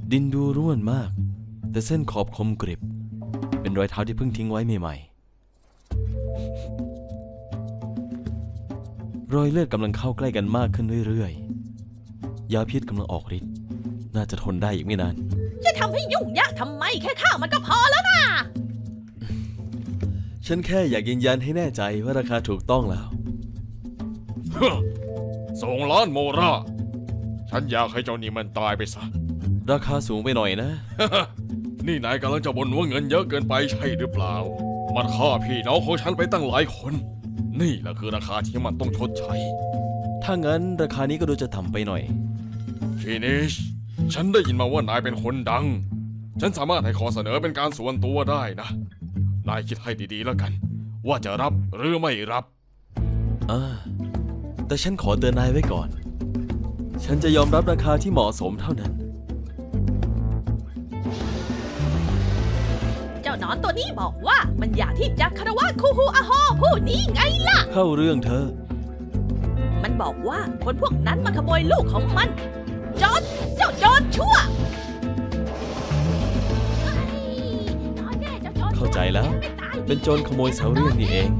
ดินดูร่วนมากแต่เส้นขอบคมกริบเป็นรอยเท้าที่เพิ่งทิ้งไว้ใหม่ๆรอยเลือดกำลังเข้าใกล้กันมากขึ้นเรื่อยๆยาพิษกำลังออกฤทธิ์น่าจะทนได้อีกไม่นานจะทำให้ยุ่งยากทำไมแค่ฆ่ามันก็พอแล้วนะฉันแค่อยากยืนยันให้แน่ใจว่าราคาถูกต้องแล้ว 2 ล้านโมราฉันอยากให้เจ้านี่มันตายไปซะราคาสูงไปหน่อยนะนี่นายกำลังจะบ่นว่าเงินเยอะเกินไปใช่หรือเปล่ามันฆ่าพี่น้องของฉันไปตั้งหลายคนนี่แหละคือราคาที่มันต้องชดใช้ถ้างั้นราคานี้ก็ดูจะต่ำไปหน่อยฟินิชฉันได้ยินมาว่านายเป็นคนดังฉันสามารถให้ขอเสนอเป็นการส่วนตัวได้นะนายคิดให้ดีๆแล้วกันว่าจะรับหรือไม่รับแต่ฉันขอเตือนนายไว้ก่อนฉันจะยอมรับราคาที่เหมาะสมเท่านั้นเจ้านอนตัวนี้บอกว่ามันอยากที่จะคารวะคูฮูอาโฮผู้นี้ไงล่ะเข้าเรื่องเธอมันบอกว่าคนพวกนั้นมาขโมยลูกของมันจอนเจ้าจอนชั่วเข้าใจแล้วเป็นโจรขโมยเสาเรี่ยงนี่เอง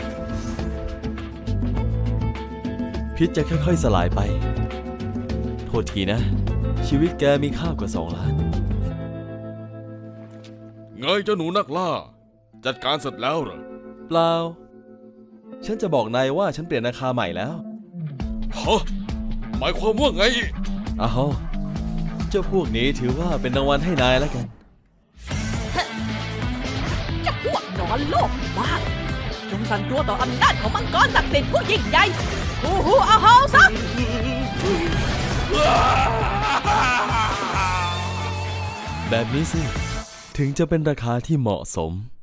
พิษจะค่อยๆสลายไปโทษทีนะชีวิตแกมีค่ากว่า2 ล้านไงเจ้าหนูนักล่าจัดการเสร็จแล้วเหรอเปล่าฉันจะบอกนายว่าฉันเปลี่ยนราคาใหม่แล้วฮะหมายความว่าไงอ้าวเจ้าพวกนี้ถือว่าเป็นรางวัลให้นายแล้วกันเจ้าพวกนอนโลกบ้าจงสั่นตัวต่ออำนาจของมังกรศักดิ์สิทธิ์ผู้ยิ่งใหญ่ฮูฮูอาโฮซะแบบนี้สิถึงจะเป็นราคาที่เหมาะสม